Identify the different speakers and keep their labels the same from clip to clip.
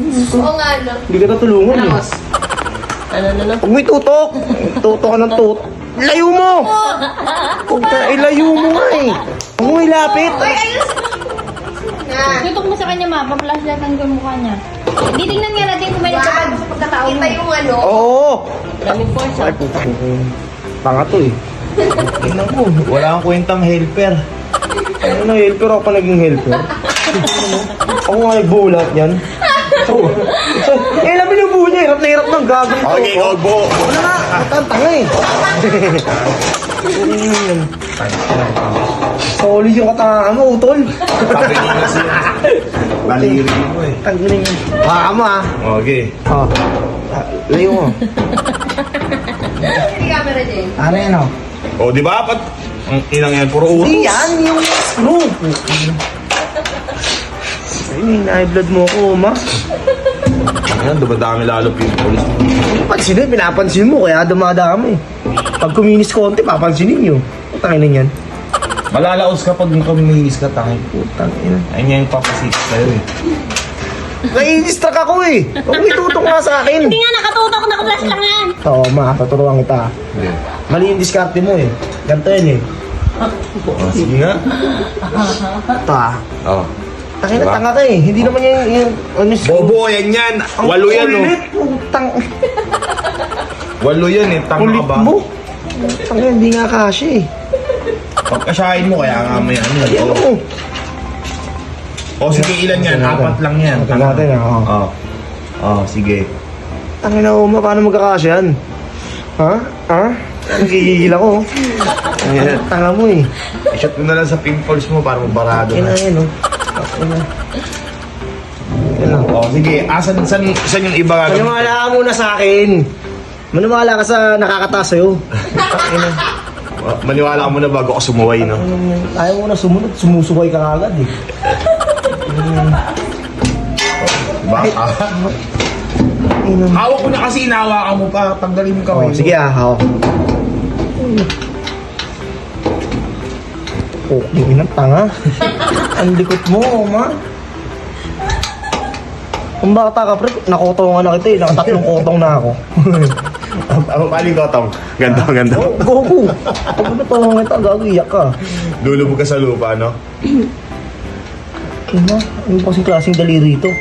Speaker 1: Oo nga, no?
Speaker 2: Hindi ka natulungan eh.
Speaker 1: Tapos, ano?
Speaker 2: Huwag mo itutok. Tutok ka ng tut. Layo mo! Huwag ka, ilayo mo nga eh. Huwag mo ilapit.
Speaker 1: Ay, ayos! Na.
Speaker 3: Tutok mo sa kanya, ma. Pa-flashlight ang mukha niya. Hindi, tingnan nga natin kung may
Speaker 1: Wag.
Speaker 3: nagkakaroon sa pagkatao mo.
Speaker 1: Kita yung ano.
Speaker 2: Oo.
Speaker 3: Daming force,
Speaker 2: Ay,
Speaker 3: ah.
Speaker 2: putang. Tanga to eh. Tingnan mo, wala kang kwentang helper. Ano na helper? Ako pa naging helper. Ako nga nagbulat yan. Eh, labi ng buo niya. Hirap na hirap ng gagawin ko.
Speaker 4: Okay, Ogbo.
Speaker 2: Wala nga. Ang tanga eh. Solid yung katangahan mo, utol.
Speaker 4: Sabi niya kasi. Baliri mo eh.
Speaker 2: Tanggalin yun. Baka mo ah.
Speaker 4: Okay.
Speaker 2: Oh. Layo mo.
Speaker 1: Hindi camera dyan.
Speaker 2: Ano yan oh?
Speaker 4: O, di ba? Ang inang yan, puro utos.
Speaker 2: Hindi yan, yung screw. Ay, high blood mo ako, ma.
Speaker 4: Ayan, dumadami lalo pimples.
Speaker 2: Pansin mo, pinapansin mo, kaya dumadami. Pag kuminis konti, papansinin nyo. Putang ina yan.
Speaker 4: Malalaos ka pag kumihis ka, tangin.
Speaker 2: Putang ina.
Speaker 4: Ayun nga yung papasik sa'yo eh.
Speaker 2: Nai-distract ako eh. Huwag mo itutok nga sa akin.
Speaker 3: Hindi nga, nakatutok, naka-flash lang yan.
Speaker 2: Oo, ma, tuturuan kita. Mali yung diskarte mo eh. Ganito yan eh.
Speaker 4: Sige nga.
Speaker 2: Ito ah.
Speaker 4: Oh.
Speaker 2: Tangina,
Speaker 4: Diba?
Speaker 2: tanga ka eh. Hindi naman yung ano,
Speaker 4: Bobo, yan yan. Walo yan oh.
Speaker 2: Kulit, putang.
Speaker 4: Walo yan eh. Tanga
Speaker 2: Kulit
Speaker 4: ka ba?
Speaker 2: mo. Tangina, hindi nga kasya eh.
Speaker 4: Pagkasyahin mo, kaya nga may ano.
Speaker 2: Ayan
Speaker 4: Oh.
Speaker 2: mo.
Speaker 4: O sige, ilan yan? Apat lang yan.
Speaker 2: Ito natin ah. Oh.
Speaker 4: Oh. Oh, sige.
Speaker 2: Tangina, Uma, paano magkakasya yan? Ha? Ha? Nagigigil ako.
Speaker 4: Ayan.
Speaker 2: Tanga mo eh.
Speaker 4: I-shot mo na lang sa pimples mo para mabarado
Speaker 2: Yan
Speaker 4: na.
Speaker 2: na yan oh. Yan na. Yan lang.
Speaker 4: Oh, sige. Saan yung iba gagawin?
Speaker 2: Maniwala ka muna sa akin. Maniwala ka sa nakakataas sa'yo. Tangina.
Speaker 4: Maniwala ka muna bago ako sumuway, no?
Speaker 2: Ayaw mo na sumunod, sumusuway ka agad eh.
Speaker 4: Baka. Hawak ko na kasi inahawakan mo pa. Tanggalin yung kamay
Speaker 2: Oh,
Speaker 4: mo.
Speaker 2: sige ah, hawak. Oh, yung inang tanga. Ang likot mo, ma. Kung bata ka, pre, nakotongan na kita eh. Nakatatlong kotong na ako.
Speaker 4: Ako paling kotong. Ganto, ganto.
Speaker 2: Oh, gogo. Pag natongan kita, gagawin ka.
Speaker 4: Lulubog ka sa lupa, no?
Speaker 2: Ma, ano pa kasing klaseng daliri ito?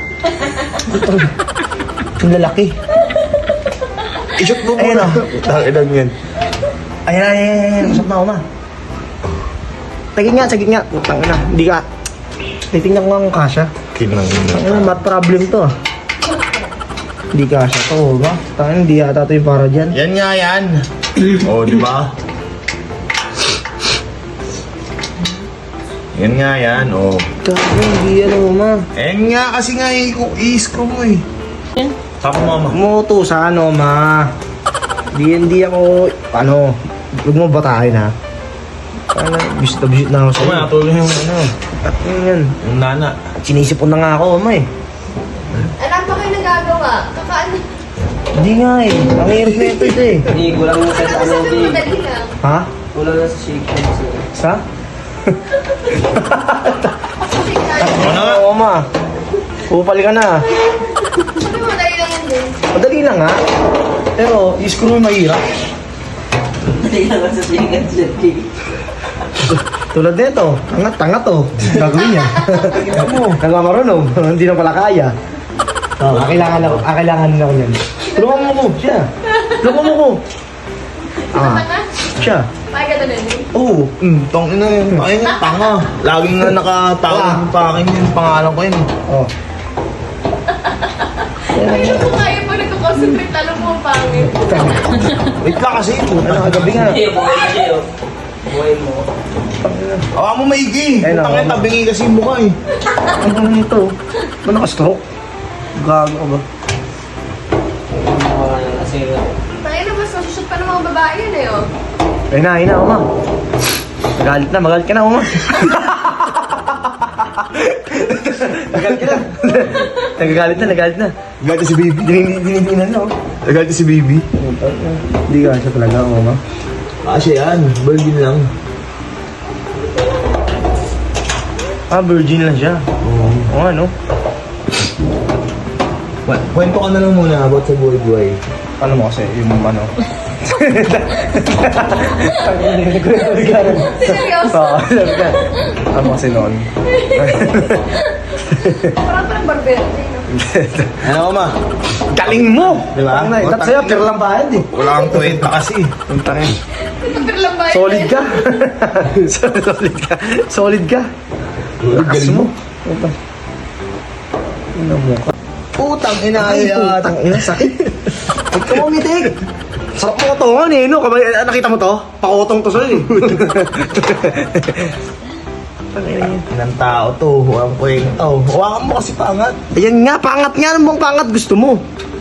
Speaker 2: Yung lalaki.
Speaker 4: I-shot mo
Speaker 2: Ayun,
Speaker 4: muna.
Speaker 2: oh.
Speaker 4: Takinan yan.
Speaker 2: Ayan. Masap na ako, ma. Sagit nga. Putang ina, hindi ka. Titingnan ko nga kung kasya.
Speaker 4: Kinang
Speaker 2: Ano, mat problem to ah. Hindi kasya to, ba? Tangin, hindi yata to yung para dyan.
Speaker 4: Yan nga yan. Oh, di ba? Yan nga yan, oh.
Speaker 2: Gago, hindi yan oh, ma.
Speaker 4: Yan nga kasi nga i-screw mo eh. Saka mama.
Speaker 2: Moto sa ano, ma. Hindi ako, ano, huwag mo batahin ha. Ano, bisit na ako sa'yo.
Speaker 4: Sama, natuloy yung ano.
Speaker 2: At yan.
Speaker 4: Yung nana.
Speaker 2: Sinisipon na nga ako, ma eh.
Speaker 1: Alam pa kayo nagagawa. Kakaano.
Speaker 2: Hindi nga eh. Ang hirap na ito eh.
Speaker 5: Hindi, kulang mo sa
Speaker 1: Ano
Speaker 5: ano,
Speaker 1: sabi mo
Speaker 5: Jay.
Speaker 1: madali lang?
Speaker 2: Ha?
Speaker 5: Kulang na sa shake hands.
Speaker 2: Sa?
Speaker 4: Ano nga?
Speaker 2: Oo, ma. Upal ka na.
Speaker 1: Sabi mo madali lang yan din.
Speaker 2: Madali lang ha. Pero, i-screw yung mahirap.
Speaker 5: Hindi lang sa shake hands, Jay.
Speaker 2: Tulad nito, tanga to. Gagawin niya. Nagmamarunong, hindi na pala kaya. Oh, kailangan na ako yan. Tulungan mo ko, siya. Tulungan mo ko. Siya.
Speaker 1: Pakita na din.
Speaker 2: Oo.
Speaker 4: Tangina yun. Ayun yung tanga. Laging nga nakatawag pa akin yung pangalan ko yun.
Speaker 2: Oh.
Speaker 1: Hindi ko kaya pag nagko-concentrate lalo mo ang pangit.
Speaker 4: Wait lang kasi.
Speaker 2: Ano, kagabi nga.
Speaker 5: Jay, buhay mo, Jay, oh. Buhay mo.
Speaker 4: Awa mo maigi.
Speaker 2: Ayun,
Speaker 4: Tangina,
Speaker 2: awa mo.
Speaker 4: tabingi kasi yung mukha eh.
Speaker 2: Ano nito? Ba naka-stroke? Gago ka ba?
Speaker 5: Mga kasi,
Speaker 1: Tayo na mas masushoot pa ng mga babae yan eh oh.
Speaker 2: Ayun na, Uma. Magalit ka na, Uma. Nagagalit na.
Speaker 4: Nagalit si baby.
Speaker 2: Dinidinan na, oh.
Speaker 4: Nagalit si baby.
Speaker 2: Hindi ka siya talaga, Uma.
Speaker 4: Kasi yan. Virgin lang.
Speaker 2: Ah, virgin lang siya. Oo. Oo, ano?
Speaker 4: Kwento ka na lang muna about sa buhay-buhay.
Speaker 2: Ano mo kasi, yung ano.
Speaker 1: Seryoso?
Speaker 2: Oo, sabi ka. Ano kasi noon?
Speaker 1: Parang barbero.
Speaker 4: Ano ka ma?
Speaker 2: Galing mo!
Speaker 4: Diba?
Speaker 2: Dapat sa'yo, pira lang bayad eh.
Speaker 4: Wala kang kwenta kasi.
Speaker 2: Yung tangin.
Speaker 1: Super lang ba?
Speaker 2: Solid ka. Solid ka. Solid ka. Lakas mo. Ano mo ka?
Speaker 4: Putang ina ay
Speaker 2: Putang ina, sakit. Huwag ka umitig. Sarap mo katongan eh, no? Nakita mo to? Pakotong to sa'yo eh.
Speaker 4: ng tao to. Walang kwenta. Hawakan mo kasi pangat.
Speaker 2: Ayan nga, pangat nga. Ano bang pangat gusto mo?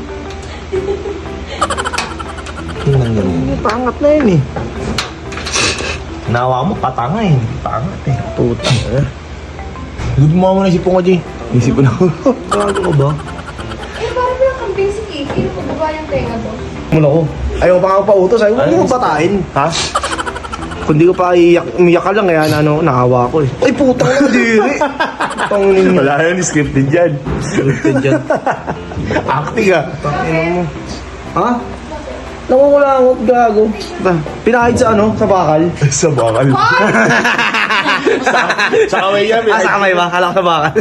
Speaker 4: Tingnan ganun.
Speaker 2: Pangat na yun eh.
Speaker 4: Nawa mo, patanga eh. Pangat eh.
Speaker 2: Putang ina.
Speaker 4: Good mo na isipon ko, G.
Speaker 2: Isipon ako.
Speaker 4: Gago ka ba?
Speaker 1: Eh, parang lang kambing si Kiki. Ano ba yung tenga to?
Speaker 2: Mula ko. Ayaw pa nga pautos. Ayaw mo patain. Ha? Kundi ko pa umiyak ka lang kaya nakawa ko eh. Ay putang na diri. Putang ninyo.
Speaker 4: Wala yan, scripted yan. Scripted yan. Acting ah.
Speaker 2: Tangina mo. Ha? Nangungulangot, gago. Pinahid sa Sa bakal?
Speaker 4: Sa bakal. Sa kamay yan.
Speaker 2: Sa kamay ba? Kala ko sa bakal.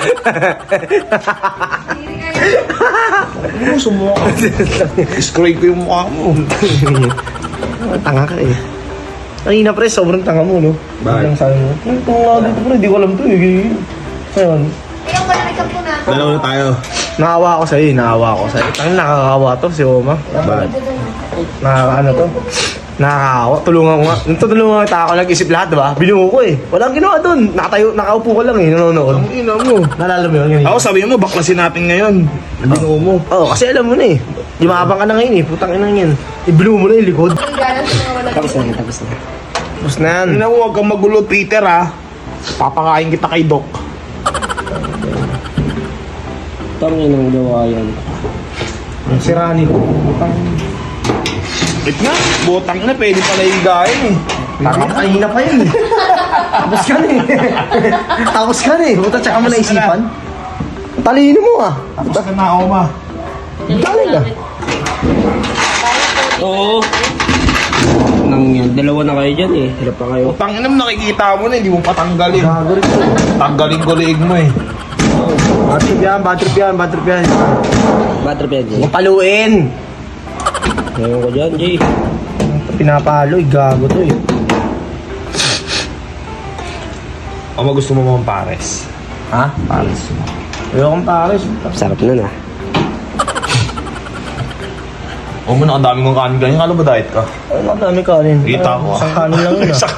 Speaker 1: Hindi kayo.
Speaker 4: Ano sumuha ka? Scrape ko yung mukha mo.
Speaker 2: Tanga ka eh. Kanina pre, sobrang tanga mo, no?
Speaker 4: Bakit?
Speaker 2: Ang sabi mo, ito nga dito pre, hindi ko alam to eh. Ngayon,
Speaker 1: Ikaw pala may kampo na.
Speaker 4: Dalawa na tayo.
Speaker 2: nakawa ako sa'yo eh, nakawa ako sa'yo. Tangin nakakawa to, si Oma.
Speaker 4: Bakit?
Speaker 2: Nakakaano to? Nakakawa. Tulungan ko nga. Tulungan kita ako, nag-isip lahat, diba? Binuho ko eh. Walang ginawa dun. Nakaupo ko lang eh, nanonood.
Speaker 4: Ang ina mo.
Speaker 2: Nalala mo yun? Ganyan.
Speaker 4: Ako sabihin mo, baklasin natin ngayon. Binuo mo.
Speaker 2: Oo, kasi alam mo na eh. Yumabang ka na ngayon eh, putang ina yan. I-blow mo na yung likod.
Speaker 1: Ang galang sa mga walang
Speaker 3: Tapos na, tapos na.
Speaker 2: Tapos na yan.
Speaker 4: Ina mo, huwag kang magulo, Peter ha. Papakain kita kay Doc.
Speaker 5: Tangin ang gawa yan.
Speaker 2: Ang sira nito. Putang.
Speaker 4: Wait nga, butang na, pwede pala higain eh.
Speaker 2: Tama, kanina pa yun eh. Tapos ka na eh. Tapos ka na eh. Puta, tsaka mo naisipan. Talino mo ah.
Speaker 4: Tapos ka na, Oma.
Speaker 2: Galing ka.
Speaker 5: Oo. Nang yan. Dalawa na kayo dyan eh. Hirap pa kayo.
Speaker 4: Utang ina mo, nakikita mo na, hindi mo patanggalin.
Speaker 2: Gago rin to.
Speaker 4: Tanggalin ko liig mo eh.
Speaker 2: Bad trip yan, bad trip yan, bad trip yan.
Speaker 5: Bad trip yan, Jay.
Speaker 2: Huwag paluin.
Speaker 5: Ngayon ko dyan, Jay.
Speaker 2: Pinapalo eh, gago to eh.
Speaker 4: Oma, gusto mo mga pares?
Speaker 2: Ha?
Speaker 4: Pares.
Speaker 2: Ayokong pares.
Speaker 5: Sarap nun ah.
Speaker 4: O mo, nakadami kong kanin ganyan. Kala ba diet ka?
Speaker 2: Ay, nakadami kanin.
Speaker 4: Kita ko.
Speaker 2: Isang kanin lang yun ah.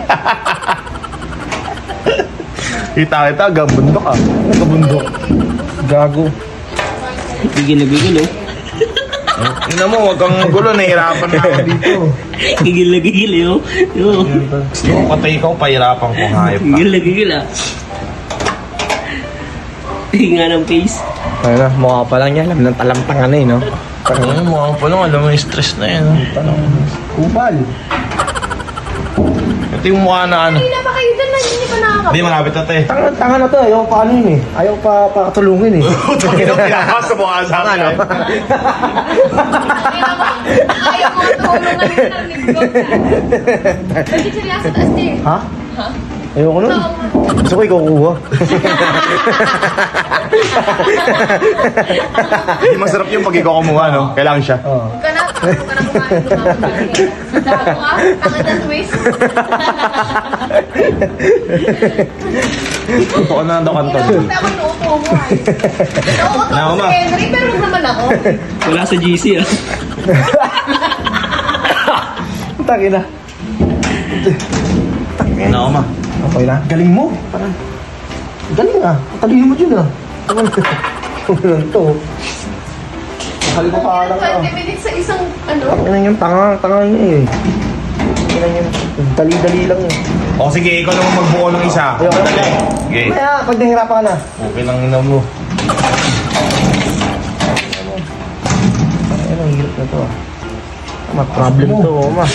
Speaker 4: Kita, gabundok ah.
Speaker 2: Nagkabundok. Gago.
Speaker 5: Bigil na bigil oh.
Speaker 4: Ina mo, huwag kang gulo. Nahihirapan na ako dito.
Speaker 5: Gigil na gigil eh oh. Yo.
Speaker 4: Gusto ko patay ikaw, pahirapan ko. Hayop ka.
Speaker 5: Gigil na gigil ah. Hinga ng face.
Speaker 2: Ayun na, mukha pa lang yan. Alam ng talamtangan na eh, no?
Speaker 4: Ano mo, ako pa lang, alam mo yung stress na yan.
Speaker 2: Kupal.
Speaker 4: Ito yung mukha na ano.
Speaker 1: Kanina pa kayo dyan na hindi pa nakakapit.
Speaker 4: Hindi, malapit na te.
Speaker 2: Tanga na to, ayaw pa ano yun eh. Ayaw pa pakatulungin eh.
Speaker 4: Pinakas sa mukha sa akin.
Speaker 1: Ayaw mo tulungan na ng linggo. Hindi sila sa taas eh.
Speaker 2: Ha? Ayoko nun. Gusto ko ikaw kuha.
Speaker 4: Hindi masarap yung pag ikaw kumuha, no? Kailangan siya.
Speaker 2: Oo.
Speaker 1: Huwag ka na kumain. Dago ka, tanga na twist.
Speaker 4: Ito ka na daw kanto.
Speaker 1: Hindi ako inuupo mo ay. Nauuto
Speaker 4: Ako,
Speaker 1: ko
Speaker 4: ma.
Speaker 1: si Henry, pero huwag naman ako.
Speaker 5: Wala sa GC ah.
Speaker 2: Tangina.
Speaker 4: Ano ako, ma?
Speaker 2: Okay na. Galing mo. Parang. Galing ah. Talino mo dyan ah. Ano to? Mahal ko pa lang ah.
Speaker 1: 20 minutes sa isang ano.
Speaker 2: Ano yung tanga niya eh. Ano yung dali-dali lang eh.
Speaker 4: O sige, ikaw naman magbuo ng isa.
Speaker 2: Ayoko na.
Speaker 4: Dali. Sige.
Speaker 2: Kaya, pag nahirapan ka na.
Speaker 4: Okay lang ina mo.
Speaker 2: Ano, ang hirap na to ah. Problem to, ma.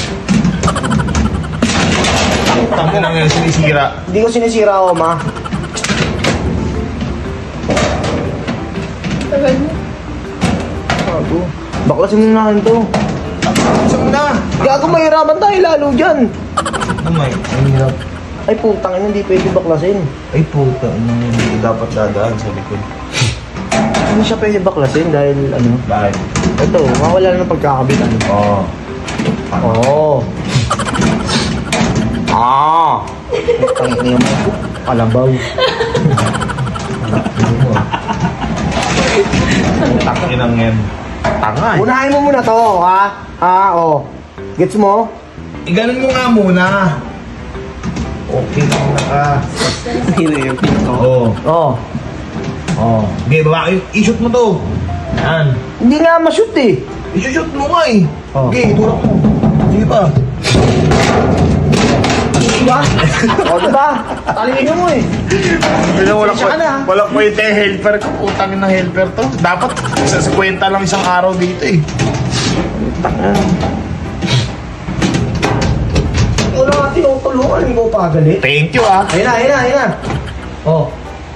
Speaker 4: Tangin na ngayon, sinisira.
Speaker 2: Hindi ko sinisira ako, ma.
Speaker 1: Tagal mo.
Speaker 2: to. Baklasin mo na to.
Speaker 4: Isang na.
Speaker 2: Gago, mahirapan tayo lalo dyan.
Speaker 4: Namay, ang hirap.
Speaker 2: Ay putang ina, hindi pwede baklasin.
Speaker 4: Ay puta, hindi dapat dadaan sa likod.
Speaker 2: Hindi siya pwede baklasin dahil ano.
Speaker 4: Bakit?
Speaker 2: Ito, mawala na ng pagkakabitan.
Speaker 4: Oo.
Speaker 2: Oo. Ah! Putang ina mo. Kalabaw.
Speaker 4: Takinang yan. Tanga eh.
Speaker 2: Unahin mo muna to, ha? Oh. Gets mo?
Speaker 4: Ganun mo nga muna. Okay lang na ka.
Speaker 5: Hindi na yung pinto.
Speaker 4: Oo.
Speaker 2: Oh.
Speaker 4: Oo. Okay, babae. I-shoot mo to. Yan.
Speaker 2: Hindi nga ma-shoot eh.
Speaker 4: I-shoot mo nga eh.
Speaker 2: Oh.
Speaker 4: Okay, tulak mo. Sige pa.
Speaker 2: Diba? O, diba? Talingin mo eh. Pasensya ka na, ha?
Speaker 4: Walang kwenta yung helper ko. Utangin ng helper to. Dapat sa kwenta lang isang araw dito eh.
Speaker 2: Wala nga tinutulungan, hindi ko pagalit.
Speaker 4: Thank you ah.
Speaker 2: Ayun na. Oh,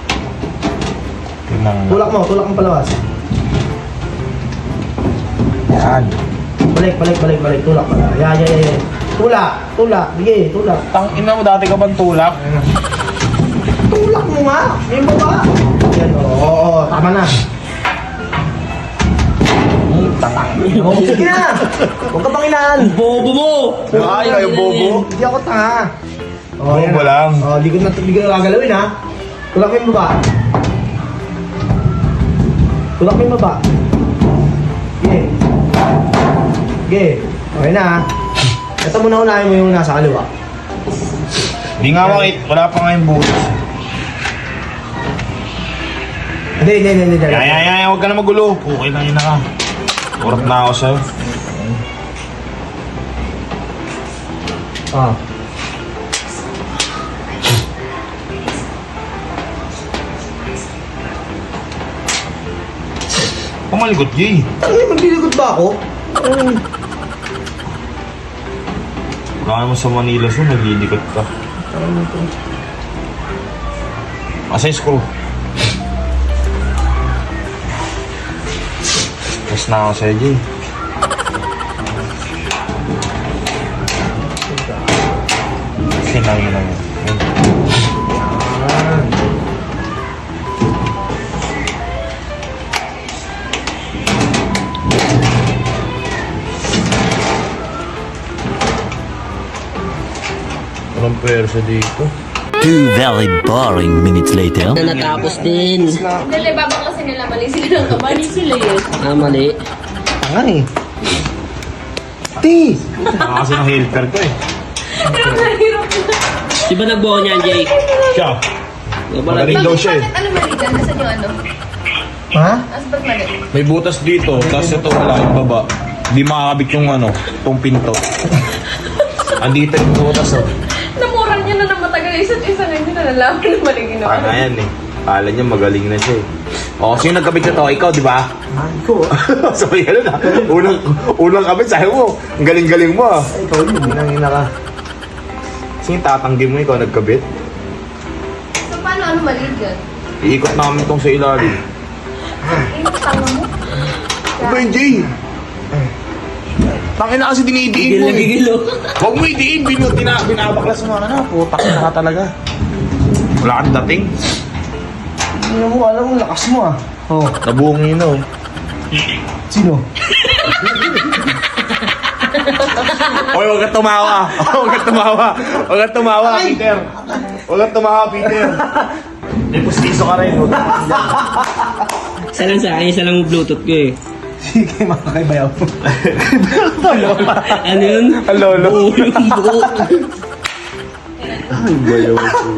Speaker 2: tulak mo palawas.
Speaker 4: Yan.
Speaker 2: Balik, tulak pala. Yeah. Tulak, sige, tulak.
Speaker 4: Tang ina mo, dati ka bang tulak?
Speaker 2: Tulak mo nga, yung baba. Yan, oo, tama na. Oh, sige na. Huwag ka pang inaan.
Speaker 5: Bobo mo!
Speaker 4: Ay, kayo bobo.
Speaker 2: Hindi ako tanga.
Speaker 4: Bobo
Speaker 2: yan na.
Speaker 4: lang.
Speaker 2: Oh, di ko na gagalawin ha. Tulak mo yung baba. Tulak mo yung baba. Sige. Okay na ha. Ito muna unahin mo yung nasa kaliwa.
Speaker 4: Hindi nga makit. Wala pa nga yung butas.
Speaker 2: Hindi.
Speaker 4: Yan. Huwag ka na magulo. Okay lang yun na ka. Urap na ako sa'yo.
Speaker 2: Ah.
Speaker 4: Pamaligot, Jay.
Speaker 2: Ano magliligot ba ako?
Speaker 4: Wala naman sa Manila so naglilikot ka. Asa yung screw? Tapos na ako sa'yo, Jay. Sinangin lang yun. Walang pwersa dito.
Speaker 6: 2 very boring minutes later.
Speaker 5: Na natapos din.
Speaker 1: Dali, babaklasin nila. Mali sila ng kamali sila yun.
Speaker 5: Mali.
Speaker 2: Tanga eh. Ti!
Speaker 4: Saka kasi ng helper ko eh.
Speaker 1: Hirap na.
Speaker 5: Di ba nagbuo niyan, Jay?
Speaker 4: Siya. Magaling daw siya eh.
Speaker 1: Bakit ano mali dyan? Nasaan yung ano?
Speaker 2: Ha?
Speaker 1: As ba't mali?
Speaker 4: May butas dito, tapos ito wala yung baba. Di makakabit yung ano, itong pinto. Andito yung butas oh.
Speaker 1: Namuran niya na ng matagal. Isa't isa ngayon na nalaman na mali ginawa.
Speaker 4: Ano yan eh. Kala niya magaling na siya eh. O, sino nagkabit na to? Ikaw, di ba?
Speaker 2: Ikaw ah.
Speaker 4: So, yan na. Unang kabit, sabi mo. Ang galing-galing mo ah.
Speaker 2: Ikaw yun.
Speaker 4: Ginangina ka. Sino tatanggi mo ikaw nagkabit?
Speaker 1: So, paano ano mali dyan?
Speaker 4: Iikot namin itong sa ilalim.
Speaker 1: Yung tanga mo.
Speaker 4: Ano yung Jay? Tangin na kasi dinidiin mo eh.
Speaker 5: Gigil oh.
Speaker 4: Huwag mo idiin, binabaklas mo na. Putak na ka talaga. Wala kang dating.
Speaker 2: Hindi mo alam ang lakas mo ah. Oh.
Speaker 4: Nabungi na oh.
Speaker 2: Sino?
Speaker 4: Oy, huwag ka tumawa. Huwag ka tumawa. Huwag ka tumawa, Peter. Huwag ka tumawa, Peter. May pustiso ka rin.
Speaker 5: Isa lang sa akin, isa lang yung Bluetooth ko eh.
Speaker 2: Sige, makakaibayaw.
Speaker 5: Ano yun?
Speaker 4: Ang lolo.
Speaker 5: Buo yung buo.
Speaker 4: Ay, bayaw.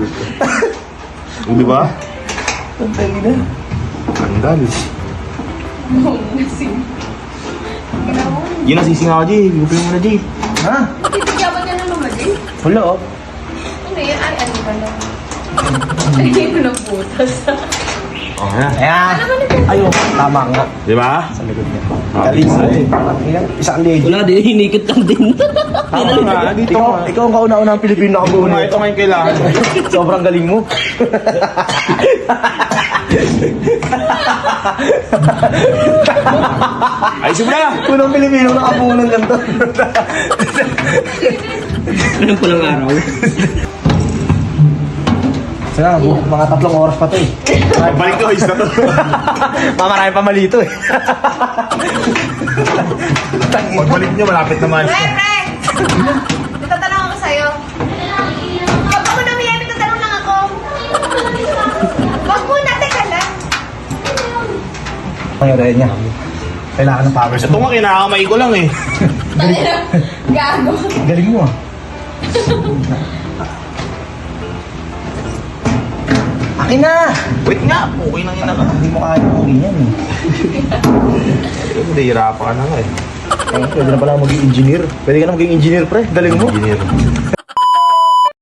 Speaker 4: Di ba?
Speaker 2: Ang tali na.
Speaker 4: Kandal.
Speaker 1: Oo, nasing. Ginawa mo.
Speaker 4: Yun ang sising ako, Jay. Gupin mo na, Jay.
Speaker 2: Ha?
Speaker 1: Titigawan niya na naman eh.
Speaker 2: Wala oh.
Speaker 1: Ano yan? Ay, ano ba lang? Ay, ito ng butas.
Speaker 4: Oh, yan.
Speaker 2: Ayan. Ayun, tama nga.
Speaker 4: Di ba?
Speaker 2: Sa likod niya.
Speaker 4: Galing
Speaker 2: Galing mo eh. Isang lady.
Speaker 5: Wala din, hinikit lang din.
Speaker 4: Tama nga, dito nga.
Speaker 2: Ikaw ang kauna-unang Pilipino na
Speaker 4: Ito nga, ito nga yung kailangan.
Speaker 2: Sobrang galing mo.
Speaker 4: Ayusin mo na!
Speaker 2: Unang Pilipino nakapunan ganito.
Speaker 5: Anong pulang araw?
Speaker 2: Sana, mga 3 oras pa to eh.
Speaker 4: Balik ko, ayos na to.
Speaker 2: Mamarami pa mali to eh.
Speaker 4: Pagbalik nyo, malapit naman.
Speaker 1: Pre! May tatanong ako sa'yo. Huwag mo na umiyan, may tatanong lang ako. Huwag muna, teka lang.
Speaker 2: Ang yun niya. Kailangan ng power.
Speaker 4: Ito nga, kinakamay ko lang eh.
Speaker 1: Gago.
Speaker 2: Galing mo ah. Akin na!
Speaker 4: Wait nga, okay lang yun ako.
Speaker 2: Hindi mo kaya uwi yan eh.
Speaker 4: Hindi, hirapan ka na nga eh.
Speaker 2: Pwede na pala maging engineer. Pwede ka na maging engineer, pre. Galing mo.
Speaker 4: Engineer.